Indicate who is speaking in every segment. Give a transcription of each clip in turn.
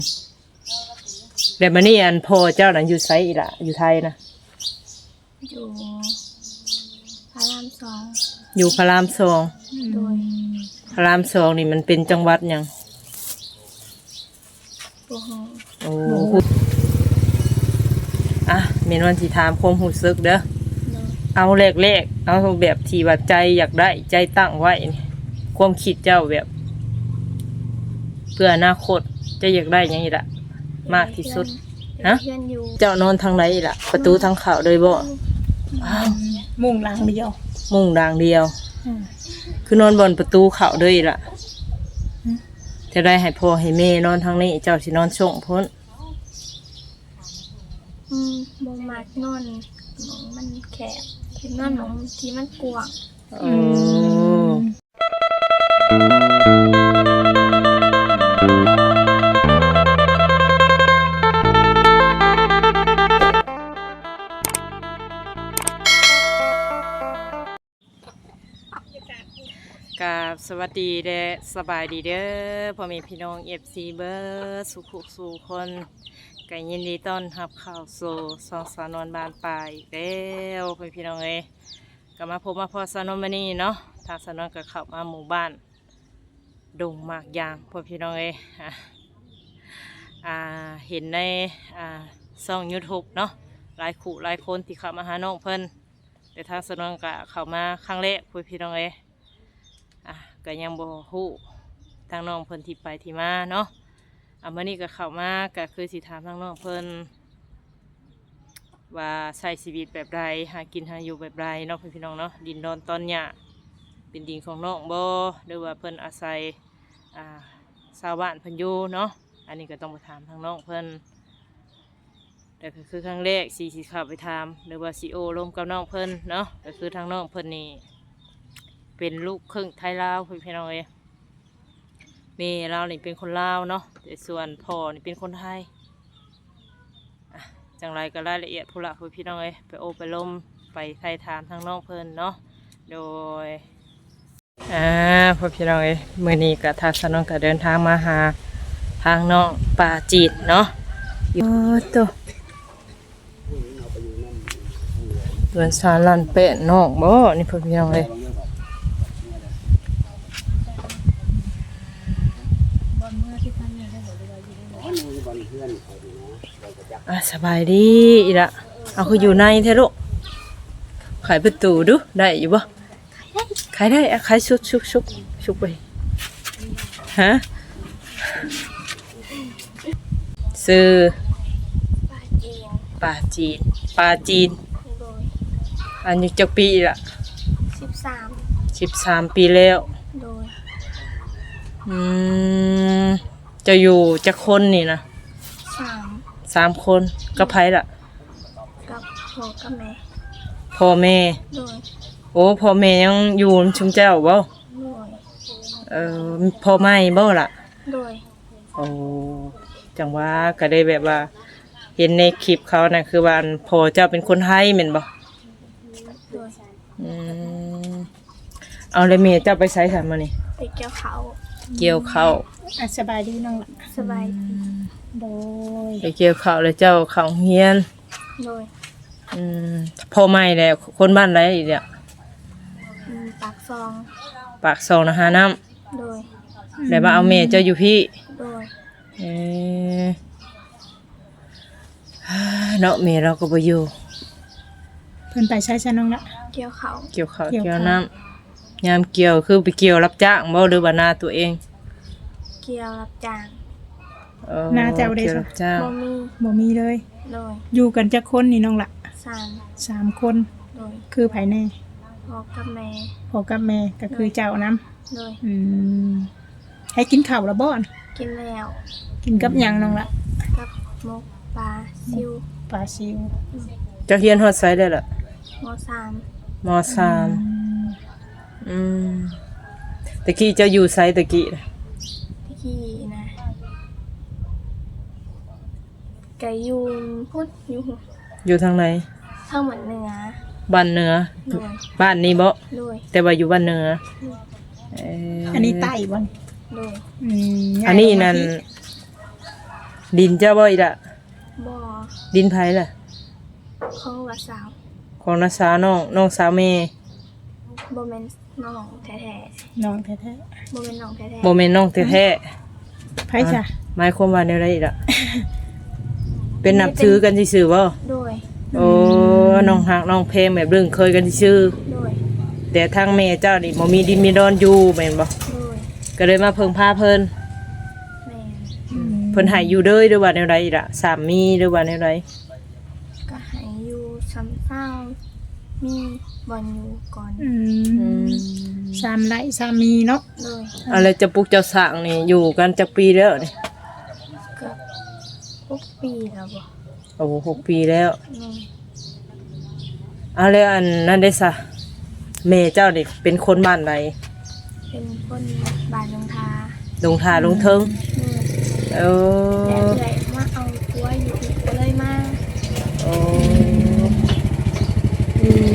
Speaker 1: แบบนี้อันพ่อเจ้าน่ะอยู่ไสอีล่ะอยู่ไทยนะ
Speaker 2: อยู่พระรามสอง
Speaker 1: อยู่พระรามสอง
Speaker 2: โดย
Speaker 1: พระรามสองนี่มันเป็นจังหวัดหยังโอ้อะเมนวันสิถามความรู้สึกเด้อเอาแรกๆเอาแบบที่ว่าใจอยากได้ใจตั้งไว้นี่ความคิดเจ้าแบบเพื่ออนาคตจะอยากได้หยังอีกล่ะมากที่สุดฮะเจ้านอนทางไหนอีกล่ะประตูทางเข้าเลยบ่
Speaker 3: มุ่งหลังเดียว
Speaker 1: มุ่งด่างเดียวคือนอนบนประตูเข้าเลยอีกล่ะจะได้ให้พ่อให้แม่นอนทางนี้เจ้าสินอนส่งพ้น
Speaker 2: บ่มักนอนมันแคบคิดนอนของที่มันกว้าง
Speaker 1: กับสวัสดีเด้อสบายดีเด้อพ่อแม่พี่น้องFCเบอร์สุขสู่คนก็ยินดีต้อนรับเข้าสู่สองสาวนวลบานปลายแล้วพ่อพี่น้องก็มาพบมาพอสาวนวลมานี่เนาะทางสาวนวลก็เข้ามาหมู่บ้านดงมากยางพ่อพี่น้องเห็นในช่อง YouTube เนาะหลายคู่หลายคนที่เข้ามาหาน้องเพิ่นแต่ทางสาวนวลก็เข้ามาครั้งแรกพ่อพี่น้องก็ยังบ่ฮู้ทางน้องเพิ่นที่ไปที่มาเนาะมื้อนี้ก็เข้ามาก็คือสิถามทางน้องเพิ่นว่าใช้ชีวิตแบบใดหากินหาอยู่แบบใดเนาะพี่น้องเนาะดินดอนตอนหญ้าเป็นดินของน้องบ่หรือว่าเพิ่นอาศัยชาวบ้านเพิ่นอยู่เนาะอันนี้ก็ต้องไปถามทางน้องเพิ่นแต่ก็คือครั้งแรกสิเข้าไปถามหรือว่าสิโอร่วมกับน้องเพิ่นเนาะก็คือทางน้องเพิ่นนี่เป็นลูกครึ่งไทยลาวพี่น้องแม่เรานี่เป็นคนลาวเนาะแต่ส่วนพ่อนี่เป็นคนไทยจังไรก็รายละเอียดผู้ละพี่น้องไปโอไปล้มไปไทยถามทางน้องเพิ่นเนาะโดยพี่น้องมื้อนี้ก็ทางสนองก็เดินทางมาหาทางน้องป่าจีนเนาะตัวเดินสารลันเป็ดน้องบ่นี่พี่น้องสบายดีอีละเอาคืออยู่ในเทลูกขายประตูดูได้อยู่บ่ขายได้ขายชุบไปฮะซื้อปลาจีนอันนี้จักปีละ13 ปีแล้วจะอยู่จักคนนี่นะ3 คนกับไผล่ะ
Speaker 2: กับพ่อกับแม่
Speaker 1: พ่อแม่โอ้พ่อแม่ยังอยู่ชุมเจ้าบ่พ่อไม่บ่ล่ะโอ้จังว่าก็ได้แบบว่าเห็นในคลิปเขาน่ะคือว่าพ่อเจ้าเป็นคนไทยแม่นบ่เอาเลยแม่เจ้าไปไสซั่นมื้อนี้
Speaker 2: ไปเกี่ยว
Speaker 1: ข้าว
Speaker 3: สบายดีน้องล่ะ
Speaker 2: สบายดี
Speaker 3: โดย
Speaker 1: ไปเกี่ยวข้าวแล้วเจ้าเข้าเฮียน
Speaker 2: โดย
Speaker 1: พ่อไม่แล้วคนบ้านไหนอีกเนี่ย
Speaker 2: ปาก
Speaker 1: ซองนะหาน้
Speaker 2: ำโดย
Speaker 1: แล้วมาเอาแม่เจ้าอยู่พี่
Speaker 2: โดย
Speaker 1: เนาะแม่เราก็บ่อยู่
Speaker 3: เพิ่นไปใช้ซะน้องละ
Speaker 2: เกี่ยวข้าว
Speaker 1: เกี่ยวน้ำยามเกี่ยวคือไปเกี่ยวรับจ้างบ่หรือว่านาตัวเอง
Speaker 2: เกี่ยวรับจ้าง
Speaker 3: นาเจ้าได้
Speaker 1: จ้าง
Speaker 3: บ่มีเลย
Speaker 2: โดย
Speaker 3: อยู่กันจักคนนี่น้องละ3 คน
Speaker 2: โดย
Speaker 3: คือไผแน่
Speaker 2: พ่อกับ
Speaker 3: แม่ก็คือเจ้าน
Speaker 2: ำโดย
Speaker 3: ให้กินข้าวละบ่
Speaker 2: กินแล้ว
Speaker 3: กินกับหยังน้องละ
Speaker 2: กับหมกปลาซิว
Speaker 1: จะเรียนฮอดไสได้ล่ะ
Speaker 2: ม
Speaker 1: .3 ตะกี้เจ้าอยู่ไสตะกี้
Speaker 2: นะไก่ยูนพุทธ
Speaker 1: อยู่ทางไหน
Speaker 2: ทางเหนือ
Speaker 1: บ้านเหนือบ้านนี้บ่แต่ว่าอยู่บ้านเหนือ
Speaker 3: อันนี้ใต้บ่
Speaker 2: โดย
Speaker 1: อันนี้นั่นดินเจ้าบ่อีกละ
Speaker 2: บ่
Speaker 1: ดินไผล่ะ
Speaker 2: ของว่าสาว
Speaker 1: ของน้าสาวน้องสาวแม่
Speaker 2: บ่แม่นน้องแท้
Speaker 3: น้องแท้
Speaker 2: ๆบ่แม่นน้องแท้
Speaker 1: บ่แม่นน้องแท้
Speaker 3: ๆไผจ้ะ
Speaker 1: ๆหมายความว่าแนวใดอีกล่ะเป็นนับถือกันซื่อๆบ่
Speaker 2: ๆโดย
Speaker 1: โอ้น้องฮักน้องเพลงแบบเรื่องเคยกันซื่อ
Speaker 2: โดย
Speaker 1: แต่ทางแม่เจ้านี่บ่มีดินมีดอนอยู่แม่นบ่
Speaker 2: โดย
Speaker 1: ก็เลยมาเพิ่งพาเพิ่น
Speaker 2: แม่น
Speaker 1: เพิ่นให้อยู่เด้อหรือว่าแนวใดอีกล่ะสามีหรือว่าแนวใด
Speaker 2: ก็ให้อยู่ซ้ำเศร้ามีบ่อนอยู่ก่อน
Speaker 3: สามไร่สามีเนาะ
Speaker 2: โดย
Speaker 1: อะไรจะปลูกเจ้าสร้างนี่อยู่กันจักปีแล้วนี่
Speaker 2: เกือบ6 ปีแล้วบ่
Speaker 1: โอ้6 ปีแล้ว
Speaker 2: แม่น
Speaker 1: เอาแล้วอันนั้นได้ซะแม่เจ้านี่เป็นคนบ้านใด
Speaker 2: เป็นคนบ้านลงทา
Speaker 1: ลงทาลงเทิง
Speaker 2: แม่น
Speaker 1: เอ
Speaker 2: แต่
Speaker 1: อ
Speaker 2: เลยมาเอาตัวอยู่อีกก็เลยมา
Speaker 1: โอ้อืม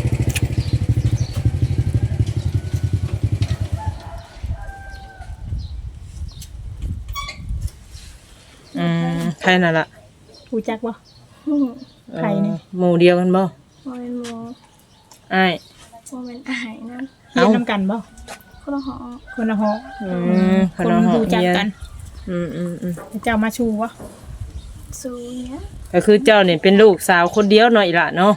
Speaker 1: ใครน่ะล่ะ
Speaker 3: รู้จักบ่ ใครนี่
Speaker 1: หมู่เดียวกันบ่
Speaker 2: บ่เป็นหมู
Speaker 1: อ้าย
Speaker 2: บ่เป็นอาหารนั่น
Speaker 3: เรียนนํกันบ่
Speaker 2: คนละหอ
Speaker 3: คนละหอ
Speaker 1: ค
Speaker 3: คน
Speaker 1: ละหอ
Speaker 3: รู้จัก
Speaker 1: เรีย
Speaker 3: กัน เจ้ามาชูบ่
Speaker 2: ซูเนี้ย
Speaker 1: ก็คือเจ้านี่เป็นลูกสาวคนเดียวหน่อยล่ะเนาะ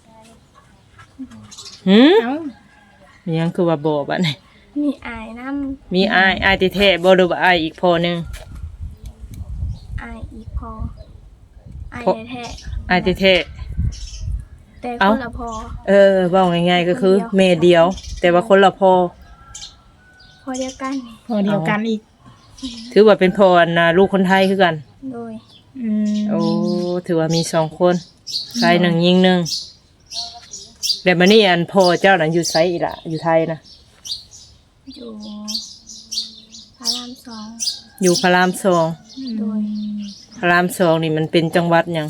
Speaker 1: หืม
Speaker 3: เอ้า
Speaker 1: มีหยังคือว่าบ่บัดนี้
Speaker 2: มีอายน้
Speaker 1: มีอ้ายแท้ๆบ่หรือว่าอ้ายอีกพอหนึง
Speaker 2: ำอายอีกพออายแท้
Speaker 1: อ้ายแท้
Speaker 2: ๆแต่
Speaker 1: เอ้า
Speaker 2: คนละพอ
Speaker 1: เว้าง่ายๆก็คือแม่เดียว แต่ว่าคนละพ่อ
Speaker 2: พอเดียวกัน
Speaker 3: พอเดียวกันอีก
Speaker 1: ถือว่าเป็นพ่ออันน่ะลูกคนไทยคือกัน
Speaker 2: โดย
Speaker 1: โอ้ถือว่ามี2 คนชาย1หญิง1แต่บัดนี้อันพ่อเจ้าน่ะอยู่ไสอีกล่ะอยู่ไทยนะ
Speaker 2: อยู่พระราม2
Speaker 1: อยู่พระราม2
Speaker 2: โดย
Speaker 1: พระราม2นี่มันเป็นจังหวัดหยัง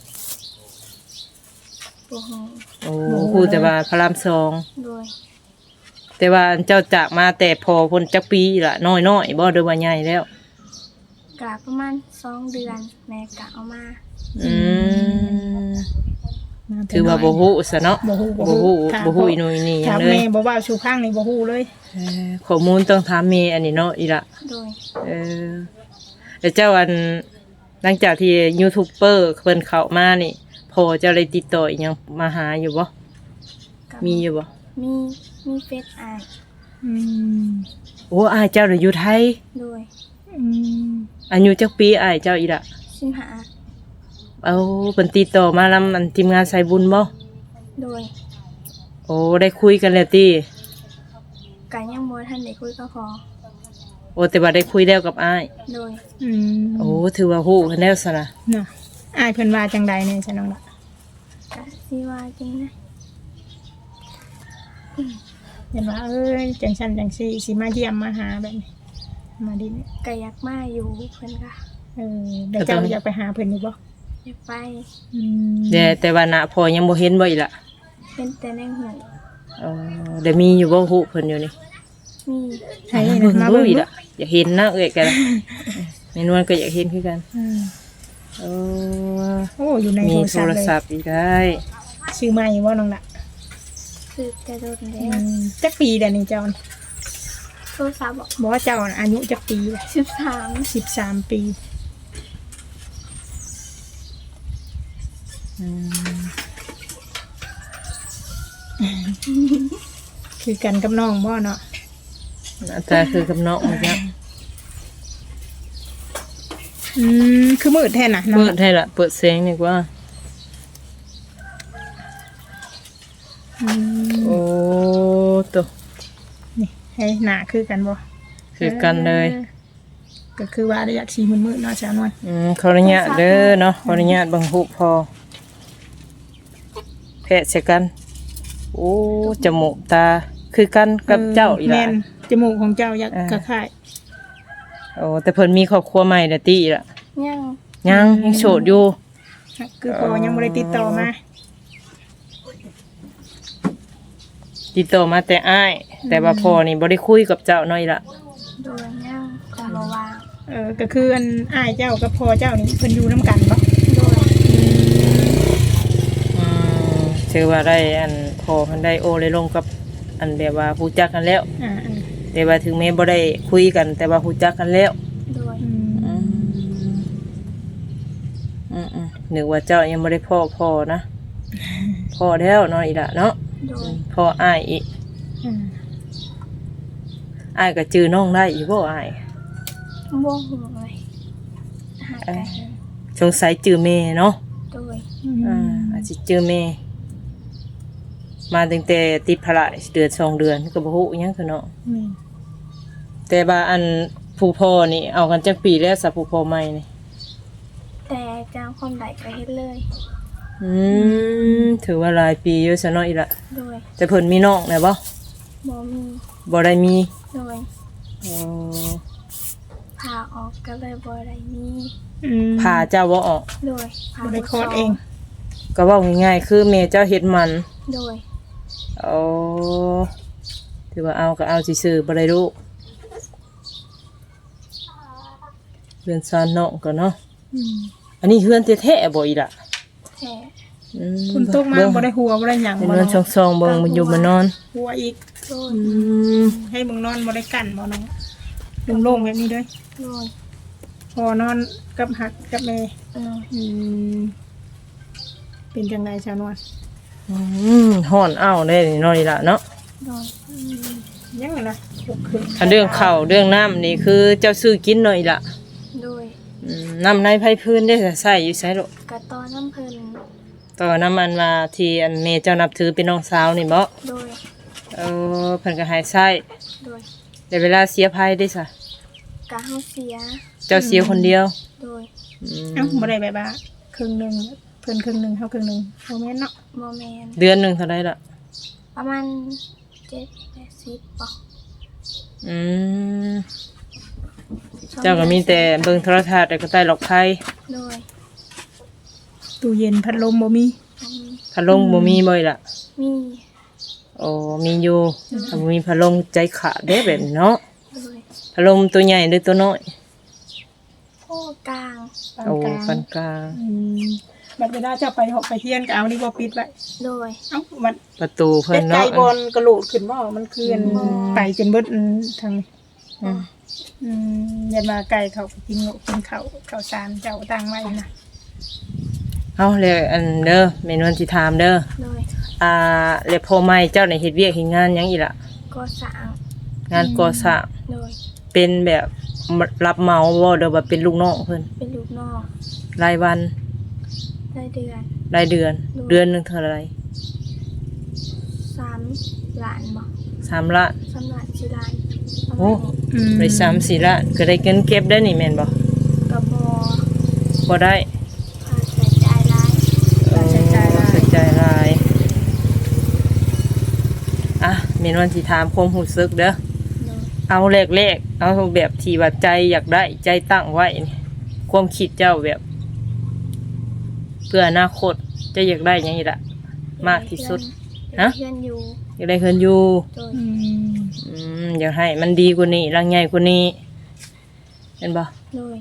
Speaker 2: บ่ฮู้
Speaker 1: โอ้ฮู้แต่ว่าพระราม2
Speaker 2: โดย
Speaker 1: แต่ว่าอันเจ้าจากมาแต่พอพ้นจักปีล่ะน้อยๆบ่เด้อว่าใหญ่แล้ว
Speaker 2: กะประมาณ2 เดือนแม่กะเอามา
Speaker 1: อืม
Speaker 3: มาแต่
Speaker 1: ถือว่า
Speaker 3: น้ย
Speaker 1: บ่ฮู้ซะเนาะ
Speaker 3: บ่ฮู้
Speaker 1: บ่ฮู้
Speaker 3: ถาม
Speaker 1: บ่ฮู้อีหนุ่ยนี่หยั
Speaker 3: ถาง ม
Speaker 1: เล
Speaker 3: แม่
Speaker 1: ย
Speaker 3: บ่ว่าชูข้างนี่บ่ฮู้เลย
Speaker 1: ข้อมูลต้องถามแม่อันนี้เนาะอีละ
Speaker 2: โดย
Speaker 1: เออแล้วเจ้าอันหลังจากที่ยูทูบเบอร์เพิ่นเข้ามานี่พอเจ้าได้ติดต่ออีหยังมาหาอยู่บ่
Speaker 2: กับ
Speaker 1: มีอยู่บ่
Speaker 2: มีเฟซอาย
Speaker 3: อืม
Speaker 1: โอ้อ้ายเจ้าน่ะอยู่ไทย
Speaker 2: โดย
Speaker 3: อืม
Speaker 1: อายุจักปีอ้ายเจ้าอีละ
Speaker 2: 15
Speaker 1: เอาเพิ่นติดต่อมานํอันทีมงานสายบุญบ่
Speaker 2: โดย
Speaker 1: โอ้ได้คุยกันแล้วติ
Speaker 2: กะยังบ่ทันได้คุยกับพอ
Speaker 1: โอ้แต่ว่าได้คุยแล้วกับอ้าย
Speaker 2: โดย
Speaker 3: อืม
Speaker 1: โอ้ถือว่าฮู้กันแล้วซะนะ
Speaker 3: น่ะอ้ายเพิ่นว่าจังใดเนี่ยจ้ะน้องล่ะ
Speaker 2: กะสิว่าจริงนะ
Speaker 3: เห็นว่าจังซั่นจังซี่สิมาเยี่ยมมาหาแบบนี้มาดิเนี่ย
Speaker 2: กะอยากมาอยู่เพิ่นก็
Speaker 3: เดี๋ยวเจ้าอยากไปหาเพิ่นอยู่บ่
Speaker 2: อยากไป
Speaker 3: อืม
Speaker 1: แต่ว่าน่ะพอยังบ่เห็นบ่อีละ
Speaker 2: เป็นแต่ในหู
Speaker 1: เดี๋ยวมีอยู่บ่ฮู้เพิ่นอยู่นี่
Speaker 2: มี
Speaker 3: ให้
Speaker 1: เบิ่ง
Speaker 3: มา
Speaker 1: ดู
Speaker 3: เบิ่ง
Speaker 1: อีก
Speaker 3: ดู
Speaker 1: ละอยากเห็นนะเอ้ยกันแม่นวลก็อยากเห็นคือกัน
Speaker 3: อืม
Speaker 1: โอ้
Speaker 3: โอ้อยู่ใน
Speaker 1: มี
Speaker 3: โท
Speaker 1: โท
Speaker 3: ร
Speaker 1: ร
Speaker 3: ศั
Speaker 1: ศั
Speaker 3: พ
Speaker 1: พ
Speaker 3: ท์
Speaker 1: ท์อีกได้
Speaker 3: ชื่อใหม่บ่น้องล่ะ
Speaker 2: คือจะโดน
Speaker 3: อื
Speaker 2: แล้ว
Speaker 3: มจักปีเดี๋ยวนี้เจ้า
Speaker 2: โทรศัพท์บอก
Speaker 3: บอกว่าเจ้าน่ะอายุจักปีล่ะ
Speaker 2: 13
Speaker 3: 13 ปี
Speaker 1: อืม
Speaker 3: คือกันกับน้องบ่เนาะ
Speaker 1: หน้าตาคือกับน้องเหมือนกัน
Speaker 3: คือมืดแท้น่ะน้อง
Speaker 1: เปิด
Speaker 3: ล่ะ
Speaker 1: ให้ละเปิดเสียงดีกว่า
Speaker 3: อืม
Speaker 1: โอ้ตัว
Speaker 3: นี่ให้หน้าคือกันบ่
Speaker 1: คือกันเลย
Speaker 3: ก็คือว่าอยากสีมืดๆเนาะสาวนวล
Speaker 1: ขออนุญาตเด้อเนาะขออนุญาตเบังหุพอแพะเสียกัน โอ้จมูกตาคือกันกับเจ้าอีห
Speaker 3: แม่
Speaker 1: ล่ะ
Speaker 3: นจมูกของเจ้าอยาก
Speaker 1: อ่า
Speaker 3: คล้าย
Speaker 1: โอ้แต่เพิ่นมีครอบครัวใหม่แล้วติอีล่ะ
Speaker 2: ยัง
Speaker 1: ยังโสดอยู่
Speaker 3: ๆคือพอยังบ่ได้ติดต่อมา
Speaker 1: ติดต่อมาแต่อ้าย แต่ว่าพ่อนี่บ่ได้คุยกับเจ้าน้อยละ
Speaker 2: โดนยังก็บ่ว่าง
Speaker 3: ก็คืออันอ้ายเจ้ากับพ่อเจ้านี่เพิ่นอยู่นํกันบ่
Speaker 2: โดย
Speaker 1: ถือว่าได้อันพอมันได้โอเลยลงกับอันแบบว่าฮู้จักกันแล้ว
Speaker 3: อ่า
Speaker 1: แต่ว่าถึงแม้บ่ได้คุยกัน แต่ว่าฮู้จักกันแล้ว
Speaker 2: โดย
Speaker 1: นึกว่าเจ้ายังบ่ได้พ่อนะพ่อแล้วเนาะอีละเนาะ
Speaker 2: โดย
Speaker 1: พ่ออ้ายอีก อ้ายก็จื้อน้องได้อีกบ่อ้าย
Speaker 2: บ่ฮู้เลยหากัน
Speaker 1: สงสัยจื้อแม่เนาะ
Speaker 2: โดย
Speaker 1: อาจสิจื้อแม่มาตั้งแต่ติดภาระเดือน2 เดือนก็บ่ฮู้อิหยังคือเนาะแต่ว่าอันผู้พ่อนี่เอากันจักปีแล้วสับผู้พ่อใหม่นี่
Speaker 2: แต่จางความใดก็เฮ็ดเลย
Speaker 1: ถือว่าหลายปีอยู่ซะเนาะอีละ
Speaker 2: โดย
Speaker 1: แต่เพิ่นมีน้องแล้วบ่
Speaker 2: บ่มี
Speaker 1: บ่ได้มี
Speaker 2: โดย
Speaker 1: อ๋อ
Speaker 2: พาออกก็เลยบ่ได้มี
Speaker 1: พาเจ้าบ่ออก
Speaker 2: โดยพา
Speaker 3: บ่ได้คลอดเอง
Speaker 1: ก็เว้าง่ายๆคือแม่เจ้าเฮ็ดมัน
Speaker 2: โดย
Speaker 1: อ๋อถือว่าเอาก็เอาซื่อๆบ่ได้รู้เพื่อนซานน้องก็เนาะอันนี้เฮือนแท้ๆบ่อีล่ะ
Speaker 2: แท้
Speaker 3: คุณตกมาบ่ได้หัวบ่ได้หยัง
Speaker 1: เป็น
Speaker 3: บ่
Speaker 1: นอน
Speaker 3: เนาะ
Speaker 1: ช่องๆเบิ่งมันอยู่มานอน
Speaker 3: หัวอีก
Speaker 2: โดย
Speaker 3: ให้มึงนอนบ่ได้กันบ่น้องโล่งๆแบบนี้เด้อ
Speaker 2: โดย
Speaker 3: พอนอนกับหักกับแม่
Speaker 2: โดย
Speaker 3: เป็นจังไดชาวนวล
Speaker 1: ฮ้อนอ้าวได้นี่เนาะอีล่ะเนาะ
Speaker 2: โดย
Speaker 3: ยังไงนะลุกขึ้น
Speaker 1: อันเรื่องข้าวเรื่องน้ำนี่คือเจ้าซื้อกินเนาะอีล่ะ
Speaker 2: โดย
Speaker 1: น้ำในไผพื้นได้ใส่อยู่ไสโลก
Speaker 2: กระตอน้ำเพิ่น
Speaker 1: ต่อน้ำมันมาที่อันแม่เจ้านับถือเป็นน้องสาวนี่บ่
Speaker 2: โดย
Speaker 1: เพิ่นก็ให้ใช้
Speaker 2: โดย
Speaker 1: แต่เวลาเสียภัยได้ซะ
Speaker 2: กะเฮาเสีย
Speaker 1: เจ้าเสียคนเดียว
Speaker 2: โดย
Speaker 3: เอ้าบ่ได้แบบว่าครึ่งหนึงเพิ่นครึ่งหนึงเฮาครึ่งหนึงบ่แม่นเนาะ
Speaker 2: บ่แม่น
Speaker 1: เดือนหนึงเท่าใดล่ะ
Speaker 2: ประมาณ7-80บ่
Speaker 1: อืมเจ้าก็มีแต่เบิ่งโทรทัศน์แล้วก็ใต้หลอกไพ่
Speaker 2: โดย
Speaker 3: ตู้เย็นพัดลมบ่มี
Speaker 2: อันนี้
Speaker 1: พัดลมบ่มีบ่อยล่ะ
Speaker 2: มี
Speaker 1: โอ้มีอยู่ถ้าบ่มีพัดลมใจขาดเด้แบบนี้เนาะ
Speaker 2: โดย
Speaker 1: พัดลมตัวใหญ่หรือตัวน้อย
Speaker 2: โอ้กลาง
Speaker 3: ปาน
Speaker 1: โอ้
Speaker 3: กลาง
Speaker 1: ปานกลาง
Speaker 3: บัดเวลาเจ้าไปหอกไปเฮียนก็เอานี่บ่ปิดไว้
Speaker 2: โดย
Speaker 3: เอ้ามัน
Speaker 1: ประตูเพิ่
Speaker 3: เป็น นไก่
Speaker 1: เนาะ
Speaker 3: บอลกระโหลกขึ้นบ่มันคืออันไปจนเบิดทางนี้ ยันมาไก่เขากินโง่กินเขาสารเจ้าตั้งไว้นะ
Speaker 1: เอาเลยอันเด้อแม่นวลสิถามเด้อ
Speaker 2: โดย
Speaker 1: แล้วพ่อใหม่เจ้าในเฮ็ดเวียกเฮ็ดงานหยังอีล่ะ
Speaker 2: ก็สร้าง
Speaker 1: งานก่อสร้าง
Speaker 2: โดย
Speaker 1: เป็นแบบรับเหมาบ่เด้อว่าเป็นลูกน้องเพิ่น
Speaker 2: เป็นลูกน้อง
Speaker 1: รายวัน
Speaker 2: รายเดือน
Speaker 1: รายเดือน เดือนหนึงเท่าไหร่
Speaker 2: 3 ล้านบ่
Speaker 1: 3 ล้าน
Speaker 2: 3 ล้าน4ล้านประ
Speaker 1: โอ้
Speaker 2: มาณนี้
Speaker 1: ได้3-4ล้านก็ได้เงินเก็บได้นี่แม่นบ่
Speaker 2: กระบอ
Speaker 1: บ่ได้
Speaker 2: ค่าใช้จ่ายหลาย
Speaker 1: ใช้จ่ายหลายอ่ะแม่นวลสิถามความรู้สึกเด้อ
Speaker 2: โดย
Speaker 1: เอาแรกๆเอาแบบที่ว่าใจอยากได้ใจตั้งไว้นี่ความคิดเจ้าแบบ เพื่ออนาคตจะอยากได้หยังอีกล่ะมากที่สุด ฮะ
Speaker 2: เพื่อนอยู่
Speaker 1: อยากได้เฮือนอยู่
Speaker 2: โดย
Speaker 1: อยากให้มันดีกว่านี้รังใหญ่กว่านี้เห็นบ่
Speaker 2: โดย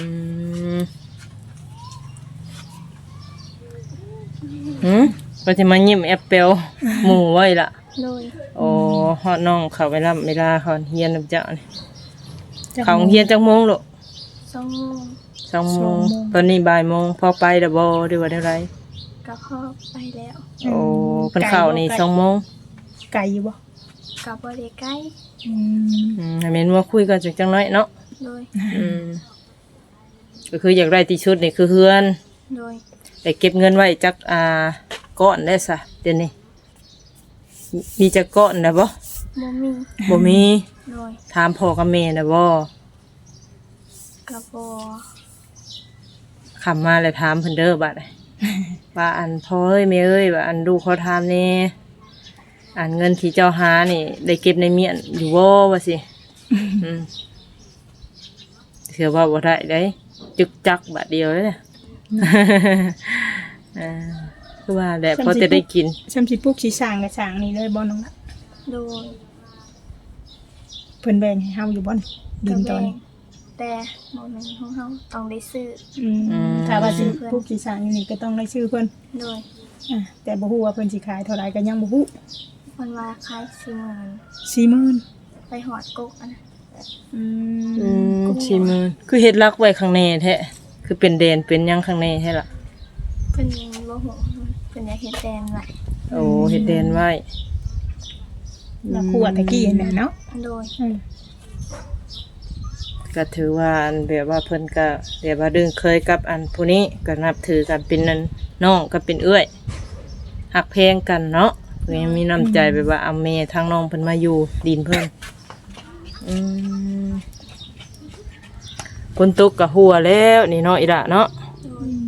Speaker 1: ก็จะมายิ้มแอปเปิลหมู่ไว้ล่ะ
Speaker 2: โดย
Speaker 1: โอ้ฮอดน้องเขาเวลาเขาเฮียนนำเจ้านี่เขาเฮียนจักโมงลูก
Speaker 2: 2 โมง
Speaker 1: 2 โมงตอนนี้บ่ายโมงพอไปแล้วบ่หรือว่าได้ไร
Speaker 2: ก็เข้าไปแล้ว
Speaker 1: โอ้เพิ่นเข้านี่2 โมง
Speaker 3: ไก่อยู่บ่
Speaker 2: กับบ่ได้ใกล้
Speaker 1: ให้แม่นว่าคุยกันจังน้อยเนาะ
Speaker 2: โดย
Speaker 1: ก็คืออยากได้ที่ชุดนี่คือเฮือน
Speaker 2: โดย
Speaker 1: แต่เก็บเงินไว้จักก้อนได้ซะเดี๋ยวนี้มีจักก้อนนะบ่
Speaker 2: บ่มี
Speaker 1: บ่มี
Speaker 2: โดย
Speaker 1: ถามพ่อกับแม่นะบ่
Speaker 2: กับบ่
Speaker 1: คำมาแล้วถามเพิ่นเด้อบัด ว่าอันพ่อเอ้ยแม่เอ้ยว่าอันลูกเขาถามแน่อันเงินที่เจ้าหานี่ได้เก็บในเมียนอยู่บ่ว่าสิเชื่อว่าบ่ได้เด้จึกจักบาทเดียวเลยเนี่ย คือว่าแหละพอจะได้กิน
Speaker 3: ซ้ำสิปลูกสิสร้างก็สร้างนี่เลยบ่น้องละ
Speaker 2: โดย
Speaker 3: เพิ่นแบ่งให้เฮาอยู่บ่ดินตอนนี้
Speaker 2: แต่บ่แม่นของเฮาต้องได้ซื้อ
Speaker 3: ถ้าว่าสิผู้สิสร้างอยู่นี่ก็ต้องได้ชื่อเพิ่น
Speaker 2: โดย
Speaker 3: แต่บ่ฮู้ว่าเพิ่นสิขายเท่าไหร่ก็ยังบ่ฮู้
Speaker 2: เพิ่นว่าขาย40,000
Speaker 3: 40,000
Speaker 2: ไปหอดกกอันนั้น
Speaker 1: ชิมือคือเฮ็ดรักไว้ข้างในแท้คือเป็นแดนเป็นหยังข้างในแท้ล่ะ
Speaker 2: เพิ่นบ่ฮู้เพิ่นอยากเฮ็ดแดนไว้
Speaker 1: โอ้เฮ็ดแดนไว้
Speaker 3: แล้วครัวตะกี้นั่นเนาะ
Speaker 2: โดย
Speaker 1: ก็ถือว่าอันแบบว่าเพิ่นก็แบบว่าดึงเคยกับอันผู้นี้ก็นับถือกันเป็นนั่นน้องก็เป็นเอื้อยหักแพงกันเนาะเพิ่นยังมีน้ำใจแบบว่าเอาแม่ทางน้องเพิ่นมาอยู่ดินเพิ่นคนตกก็หัวแล้วนี่เนาะอีหละเนาะ
Speaker 2: โดย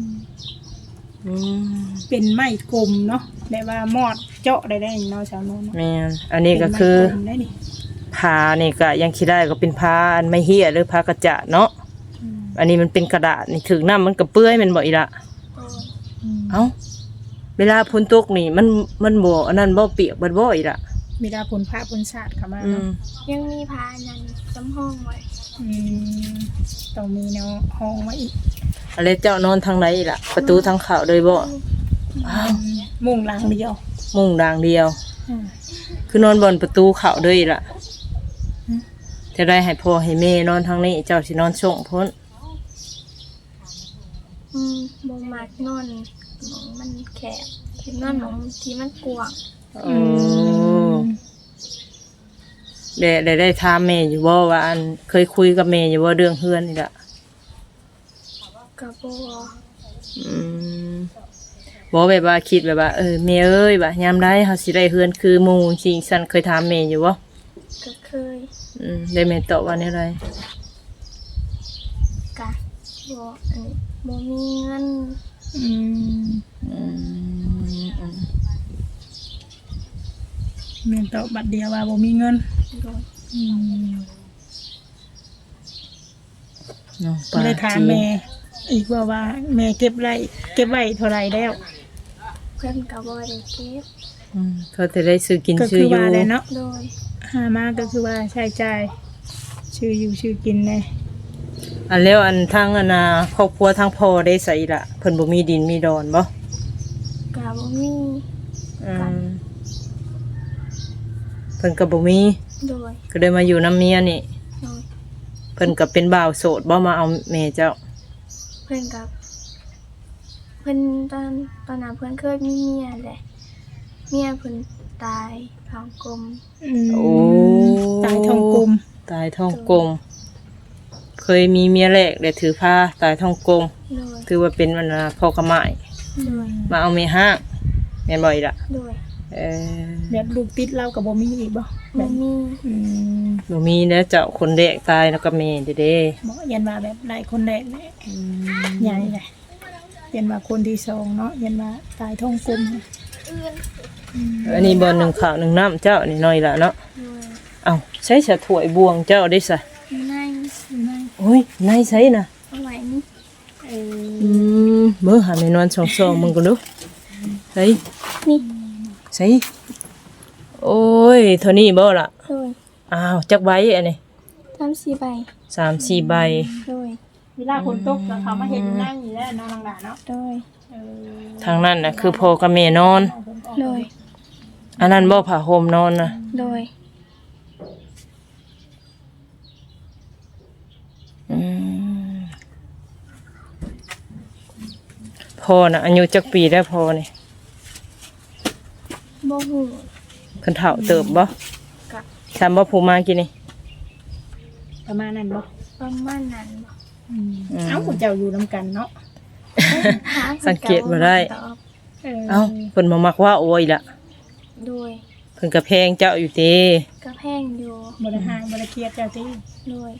Speaker 3: เป็นไม้กลมเนาะแบบว่ามอดเจาะได้เนาะชาวโน้นเนาะ
Speaker 1: แม่นอันนี้ก็คือ
Speaker 3: เป็นไม้กลมได้นี่
Speaker 1: ผ้านี่ก็ยังคิดได้ก็เป็นผ้าอันไม่เหี้ยหรือผ้ากระจะเนาะอันนี้มันเป็นกระดาษนี่ถึงน้ำมันก็เปื้อยแมันบ่อีหละ
Speaker 2: โดย
Speaker 1: เอ้าเวลาฝนตกนี่มันบ่อันนั้นบ่เปียกบ่บ่อีกล่ะ
Speaker 3: มีดาผลพระผลชาติเข้ามา
Speaker 1: อื
Speaker 3: เนาะ
Speaker 1: ม
Speaker 2: ยังมีพาอันนั้นจำห้องไว้
Speaker 3: ต้องมีแนวห้องไว้อีก
Speaker 1: อะไรเจ้านอนทางไหนอีกล่ะ ประตูทางเข้าเลยบ่อ้าว
Speaker 3: มุงหลังเดียว
Speaker 1: มุ้งดางเดียว
Speaker 3: อืม
Speaker 1: คือนอนบนประตูเข้าเลยอีกล่ะจะได้ให้พ่อให้แม่นอนทางนี้เจ้าสินอนส่งพ้น
Speaker 2: บ่มักนอนหมองมันแคบเห็นนอนหมองที่มันกว้าง
Speaker 1: โอ้ได้ถามแม่อยู่บ่ว่าอันเคยคุยกับแม่อยู่บ่เรื่องเฮือนนี่ล่ะ
Speaker 2: ก็บ่
Speaker 1: อืมบ่แบบว่าคิดแบบว่าแม่เอ้ยว่ายามใดเฮาสิได้เฮือนคือหมู่สิซั่นเคยถามแม่อยู่บ่
Speaker 2: ก็เคย
Speaker 1: ได้แม่ตอบว่าแนวใด
Speaker 2: กะบ่อันนี้บ่มีเงิน
Speaker 3: แม่นตอบบัดเดียวว่าบ่มีเงิน
Speaker 2: โดย
Speaker 1: น้อง
Speaker 3: ก็เลยถามแม่อีกว่าแม่เก็บไว้เท่าไหร่แล้ว
Speaker 2: เพิ่นก็บ่ได้เก็บ
Speaker 1: เขาจะได้ซื้อกิน
Speaker 3: ก็
Speaker 1: ซื้
Speaker 3: คือ อ
Speaker 1: อยู่
Speaker 3: ว่าเลยเนาะ
Speaker 2: โดย
Speaker 3: หามาก็คือว่าใช้จ่ายชื่ออยู่ชื่อกินเลย
Speaker 1: อันแล้วอันทางอันน่ะครอบครัวทางพ่อได้ใส่ละเพิ่นบ่มีดินมีดอนบ่
Speaker 2: กะบ่มี
Speaker 1: อืมเพิ่นก็บ่มี
Speaker 2: โดย
Speaker 1: ก็ได้มาอยู่นำเมียนี่
Speaker 2: โดย
Speaker 1: เพิ่นก็เป็นบ่าวโสดบ่มาเอาแม่เจ้า
Speaker 2: เพิ่นกับเพิ่นตอนนั้นเพิ่นเคยมีเมียแหละเมียเพิ่นตายท้องกลม
Speaker 1: โอ้
Speaker 3: ตายทองกลม
Speaker 1: ตายท้องกลมเคยมีเมียแรกได้ถือผ้าตายท้องกลม
Speaker 2: โดย
Speaker 1: ถือว่าเป็นวันน่ะพ่อกระหม่าย
Speaker 2: โดย
Speaker 1: มาเอาแม่ห้างแม่นบ่อีล่ะ
Speaker 2: โดย
Speaker 3: แบบลูกติดเรากับบ่มีอีกบ่แบ
Speaker 2: บ่
Speaker 3: บ
Speaker 2: มี
Speaker 1: บ่มีแล้วเจ้าคนแรกตายแล้วก็แม่เด้
Speaker 3: บ่ยันว่าแบบหลายคนแรกเนี่ยใหญ่เลยยันว่าคนที่สองเนาะยันว่าตายท้องกลม
Speaker 1: อันนี้บ่หนึ่งข้าวหนึ่งน้ำเจ้านี่น้อยละเนาะ
Speaker 2: โดย
Speaker 1: เอ้าใช้สะถ้วยบวงเจ้าได้ซะ
Speaker 2: ใน
Speaker 1: โอ้ยนายใช้น่ะ
Speaker 2: เอาไว้นี่
Speaker 1: เบิ่งหาแม่นอนช่องๆมึงก็ดูใส่
Speaker 2: นี่
Speaker 1: ใส่โอ้ยเท่านี้บ่ล่ะ
Speaker 2: โดย
Speaker 1: อ้าวจักใบอันนี้
Speaker 2: 3-4ใบ
Speaker 1: 3-4 ใบ
Speaker 2: โดย
Speaker 3: เวลาฝนตกแล้วเขามาเห็นนั่งอยู่แล้วน้องหลานเนาะ
Speaker 2: โดย
Speaker 1: ทางนั้นน่ะคือพ่อกับแม่นอน
Speaker 2: โดย
Speaker 1: อันนั้นบ่ผ้าห่มนอนน่ะ
Speaker 2: โดย
Speaker 1: พ่อน่ะอายุจักปีแล้วพ่อนี่
Speaker 2: บ่ฮู้
Speaker 1: เพิ่นเฒ่าเติบบ่
Speaker 2: กะ
Speaker 1: ซ้ำบ่ผู้มากินนี่
Speaker 3: ประมาณนั้นบ่
Speaker 2: ประมาณนั้นบ่
Speaker 3: เอ้าเจ้าอยู่นำกันเนาะ
Speaker 2: ถาม
Speaker 1: สังเกตบ่ได้
Speaker 2: ตอบ
Speaker 1: เอ้าเพิ่นบ่มักว่าโอ้ยล่ะ
Speaker 2: โดย
Speaker 1: เพิ่นก็แพงเจ้าอยู่ติ
Speaker 2: กระแพงอยู่
Speaker 3: บ่ได้ห่างบ่ได้เครียดเจ้าติ
Speaker 2: โดย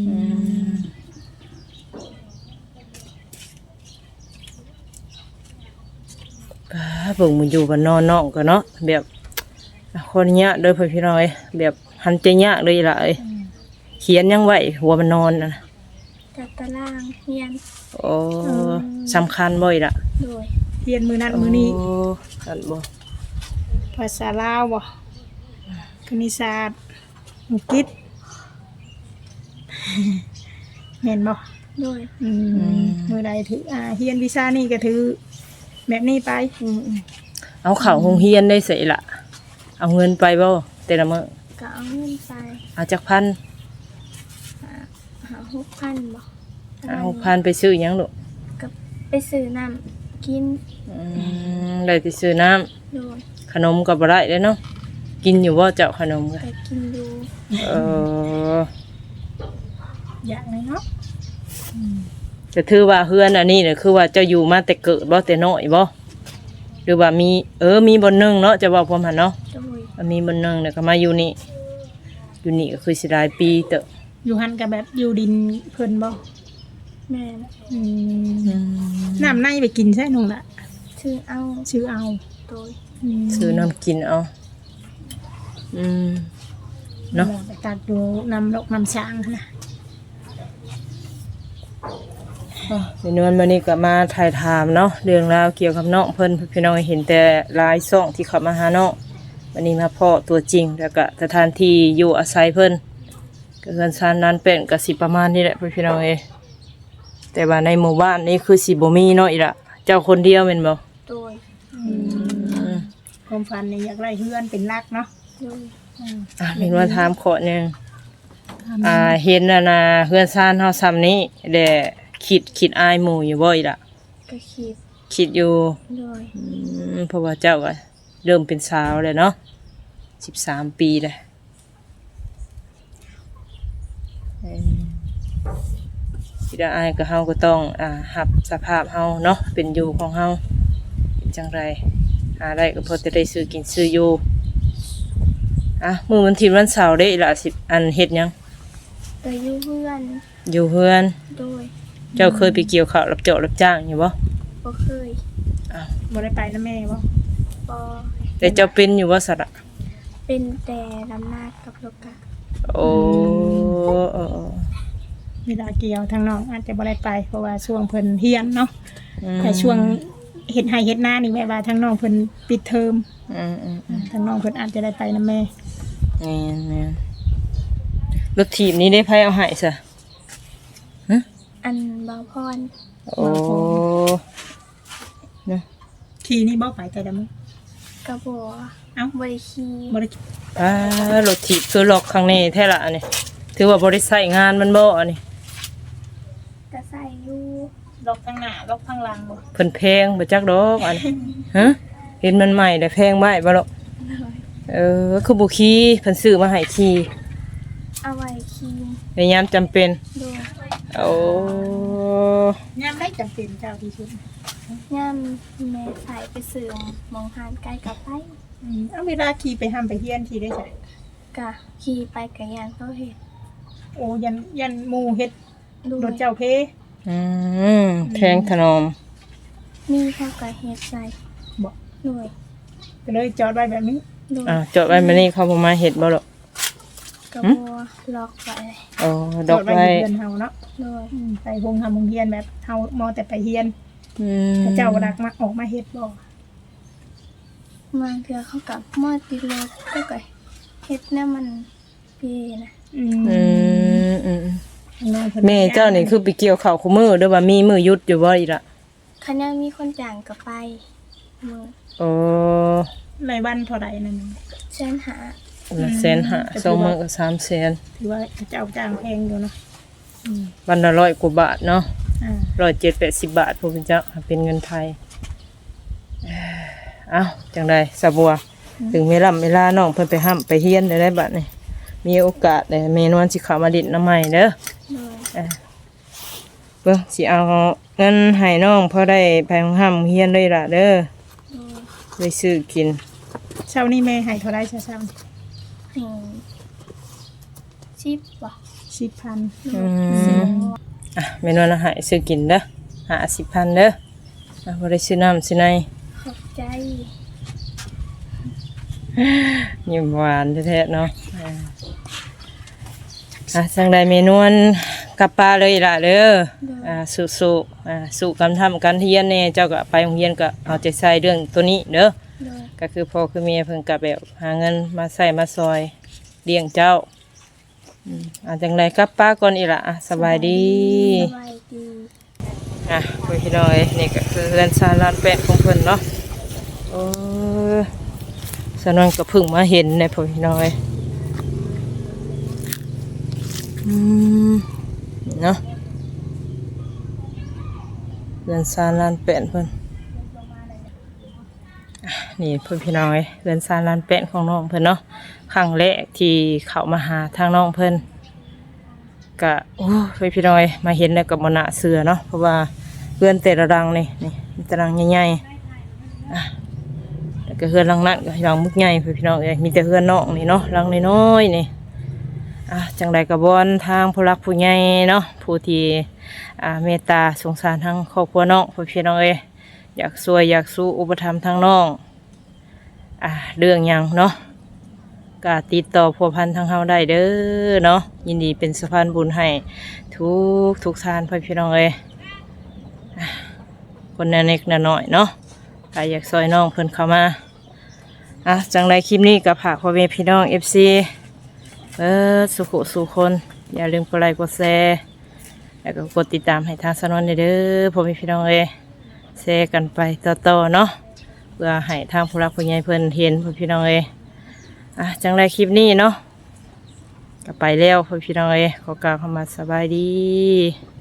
Speaker 1: เบิ่งมันอยู่กันนอนน้องก็เนาะแบบคนเนี้ยเด้อพี่น้อยแบบหันใจยากเลยล่ะเอ้ยเขียนยังไหวหัวมันนอนน่ะ
Speaker 2: จัดตารางเรียน
Speaker 1: โอ้สำคัญบ่อยล่ะ
Speaker 2: โดย
Speaker 3: เรียนมื้อนั้นมื้อนี้
Speaker 1: โอ้คันบ่
Speaker 3: ภาษาลาวบ่คณิตศาสตร์อังกฤษแม่นบ่
Speaker 2: โดย
Speaker 3: มื้อใดถือเฮียนวิชานี่ก็ถือแบบนี้ไป
Speaker 1: เอาเข้าโรงเรียนได้ไสล่ะเอาเงินไปบ่แต่ละมื้อ
Speaker 2: ก็เอาเงินไป
Speaker 1: เอาจักพัน
Speaker 2: หา6,000บ่ประ
Speaker 1: เอา
Speaker 2: มาณ
Speaker 1: พันไปซื้อหยังลูก
Speaker 2: ก็ไปซื้อน้ำกิน
Speaker 1: ได้ไปซื้อน้ำ
Speaker 2: โดย
Speaker 1: ขนมก็บ่ได้เด้เนาะกินอยู่บ่เจ้าขนมก็
Speaker 2: ไปกินอยู่
Speaker 1: เออ
Speaker 3: อย่างไรเนาะ
Speaker 1: จะถือว่าเฮือนอันนี้เนี่ยคือว่าเจ้าอยู่มาแต่เกิดบ่แต่น้อยบ่หรือว่ามีมีบนหนึงเนาะจะบอกผมหั่นเนาะ
Speaker 2: โดย
Speaker 1: มันมีบนหนึงเนี่ยก็มาอยู่นี่อยู่นี่ก็คือสิหลายปีเตอะ
Speaker 3: อยู่หันกับแบบอยู่ดินเพิ่นบ่
Speaker 2: แม่น
Speaker 3: น้ำในไปกินใช่น้องละ
Speaker 2: ชื่อเอา
Speaker 3: ชื่อเอา
Speaker 2: โดย
Speaker 1: ซื้อน้ำกินเอาเนาะ
Speaker 3: ไปตักดูน้ำลกน้ำช้างหั่นนะ
Speaker 1: ในนวลมื้อนี้ก็มาถ่ายถามเนาะเรื่องราวเกี่ยวกับน้องเพิ่นพี่น้องเห็นแต่หลายช่องที่เข้ามาหาน้องวันนี้มาพ้อตัวจริงแล้วก็สถานที่อยู่อาศัยเพิ่นก็เฮือนซานนั้นเป็นก็สิประมาณนี้แหละพี่น้องแต่ว่าในหมู่บ้านนี้คือสิบ่มีเนาะอีละเจ้าคนเดียวแม่นบ่
Speaker 2: โดย
Speaker 3: ความฝันเนี่ยอยากได้เฮือนเป็นรักเนาะ
Speaker 2: โดย
Speaker 1: เห็นว่าถามขอหนึงเห็นน่ะเฮือนซานเฮาซ้ำนี้แด่คิดอายหมู่อยู่บ่อีละ
Speaker 2: ก็คิด
Speaker 1: คิดอยู่
Speaker 2: โดย
Speaker 1: เพราะว่าเจ้าก็เริ่มเป็นสาวเลยเนาะ13 ปีเลยคิดอายก็เฮาก็ต้องรับสภาพเฮาเนาะเป็นอยู่ของเฮาเป็นจังไรหาได้ก็พอจะได้ซื้อกินซื้ออยู่มื้อวันที่วันเสาร์ได้ละ10 อันเฮ็ดหยัง
Speaker 2: ก็อยู่เพื่อน
Speaker 1: อยู่เฮือน
Speaker 2: โดย
Speaker 1: เจ้าเคยไปเกี่ยวข้าวรับเจาะรับจ้างอยู่บ่
Speaker 2: บ่เคย
Speaker 3: บ่ได้ไปนะแม่บ่
Speaker 2: บ่
Speaker 1: แต่เจ้าเป็นอยู่บ่สระ
Speaker 2: เป็นแต่ลำนากับโลกะ
Speaker 1: โอ้
Speaker 3: เวลาเกี่ยวทางน้องอาจจะบ่ได้ไปเพราะว่าช่วงเพิ่นเฮียนเนาะ
Speaker 1: อืม
Speaker 3: แต่ช่วงเฮ็ดไร่เฮ็ดนานี่แม่ว่าทางน้องเพิ่นปิดเทอม
Speaker 1: อืม
Speaker 3: ทางน้องเพิ่นอาจจะได้ไปนะแม่
Speaker 1: แม่นรถถีบนี้ได้ไผเอาให้ซะ
Speaker 2: อันบ่าวพร
Speaker 1: โอ้เนาะ
Speaker 3: ขี่นี่บ่ไปแต่ละมื้อก
Speaker 2: ระบ่
Speaker 3: เอ้า
Speaker 2: บ่ได้ขี่
Speaker 3: บ่ได้
Speaker 1: รถถีบคือล็อกข้างในแท้ละอันนี้ถือว่าบ่ได้ใช้งานมันบ่อันนี้
Speaker 2: ก็ใส่อยู่
Speaker 3: ล็อกทางหน้าล็อกทางหลังบ่
Speaker 1: เพิ่นแพงบ่จักดอกอันนี้ฮะเห็นมันใหม่แต่แพงไว้บ่หรอก
Speaker 2: โดย
Speaker 1: คือบ่ขี่เพิ่นซื้อมาให้ขี่
Speaker 2: เอาไว้ขี่
Speaker 1: ในยามจำเป็น
Speaker 2: โดย
Speaker 1: โอ้
Speaker 3: ยามได้จำเป็นเจ้าที่สุด
Speaker 2: ย่ามแม่ใส่ไปซื้อหมองหานใกล้กับไป
Speaker 3: เอาเวลาขี่ไปห้ามไปเฮียนขี่ได้ใช่
Speaker 2: กะขี่ไปกะยานเขาเฮ็ด
Speaker 3: โอ้ยันหมู่เฮ็ด
Speaker 2: โด
Speaker 3: ร
Speaker 2: ย
Speaker 3: ถเจ้าเพ
Speaker 1: แพงถนอม
Speaker 2: มีเขากะเฮ็ดใส่
Speaker 3: บอก
Speaker 2: โดย
Speaker 3: ก็เลยจอดไว้แบบนี้
Speaker 2: โดย
Speaker 1: จอดไว้มื้อนี้เขาบ่มาเฮ็ดบ่หรอก
Speaker 2: กระบัวล็อกไว้
Speaker 1: โอ้
Speaker 3: จ
Speaker 1: ด
Speaker 3: อ
Speaker 1: อก
Speaker 3: ดไว้
Speaker 1: ไว้
Speaker 3: อยู่เรือนเฮาเนาะ
Speaker 2: โดย
Speaker 3: ไปโรงเฮียนแบบเฮามอแต่ไปเฮียน
Speaker 1: อืม
Speaker 3: พระเจ้ารักมาออกมาเฮ็ดบ่
Speaker 2: มาเทื่อเขากับมอดติดรถก็กะเฮ็ดแนวมันเปีนะ
Speaker 1: อืม
Speaker 3: น้องพิ่น
Speaker 1: แม่เจ้านี่คือไปเกี่ยวข้าวคู่มือเด้อว่ามีมือหยุดอยู่บ่อีละ
Speaker 2: คันยังมีคนจ้างก็ไปมือ
Speaker 1: โอ้
Speaker 3: ในวันเท่าใดนั่น
Speaker 2: เส้นหา
Speaker 1: ละแสนห้าสองมื้อก็3แสน
Speaker 3: ถือว่าเจ้าจ้างแพงอยู่เนาะ
Speaker 1: วันละ100 กว่าบาทเนาะ
Speaker 3: อ่า
Speaker 1: 170 บาทพวกเจ้าเป็นเงินไทยเอ้าจังได๋สะบัว ถึงเวลาน้องเพิ่นไปห้ำไปเฮียนได้บัดนี่มีโอกาสได้แม่นวลสิเข้ามาดิดน้ำใหม่เด้อ
Speaker 2: โดย
Speaker 1: เบิ่งสิเอาเงินให้น้องพอได้ไปห้ำเฮียนเลยล่ะเด้อ
Speaker 2: โดย
Speaker 1: ไปซื้อกิน
Speaker 3: เช้านี้แม่ให้เท่าใดเช้า
Speaker 2: ให้ชิปบ่
Speaker 3: 10,000
Speaker 1: แม่นวลเอาให้ซื้อกินเด้อ50,000เด้อบ่ได้ซื้อน้ำซื้อใน
Speaker 2: ขอบใจ
Speaker 1: ยิ้มหวานแท้ๆเนาะจังใดเมนวนกลับป้าเลยล่ะเด้อ
Speaker 2: โดย
Speaker 1: สู้สู้กันทำกันเฮียนแน่เจ้าก็ไปโรงเรียนก็เอาใจใส่เรื่องตัวนี้เด้อ
Speaker 2: โดย
Speaker 1: ก็คือพ่อคือแม่เพิ่นก็แบบหาเงินมาใส่มาซอยเลี้ยงเจ้าจังไดกลับป้าก่อนอีหละสบายดี
Speaker 2: สบายดี
Speaker 1: พี่น้อยนี่ก็คือเรือนซาลานแปะของเพิ่นเนาะโอ้สนวนก็เพิ่งมาเห็นในพี่น้อยเนาะเรือนซาลานแปะเพิ่นนี่พี่น้อยเรือนซาลานแปะของน้องเพิ่นเนาะครั้งแรกที่เข้ามาหาทางน้องเพิ่นก็โอ้พี่น้อยมาเห็นแล้วก็บ่น่าเชื่อเนาะเพราะว่าเรือนแต่ละรังนี่ตารางใหญ่ๆแล้วก็เรือนรังนั้นก็รังมึกใหญ่พี่น้องเอ้ยมีแต่เรือนน้องนี่เนาะรังน้อยๆนี่จังใดก็บอนทางผู้รักผู้ใหญ่เนาะผู้ที่เมตตาสงสารทางครอบครัวน้องพี่น้องเอ้ยอยากช่วยอยากสู้อุปถัมภ์ทางน้องเรื่องหยังเนาะก็ติดต่อพัวพันทางเฮาได้เด้อเนาะยินดีเป็นสะพานบุญให้ทุกทานพี่น้องเอ้ยคนเล็กน้อยเนาะใครอยากซอยน้องเพิ่นเข้ามาจังไรคลิปนี้กับฝากพ่อแม่พี่น้อง FC สุขสุคนอย่าลืมกดไลค์กดแชร์แล้วก็กดติดตามให้ทางสนวนเด้อพ่อแม่พี่น้องเอ้ยแชร์กันไปต่อเนาะเพื่อให้ทางผู้รักผู้ใหญ่เพิ่นเห็นพ่อพี่น้องเอ้ยจังไรคลิปนี้เนาะก็ไปแล้วพ่อพี่น้องเอ้ยขอกล่าวคำว่าสบายดี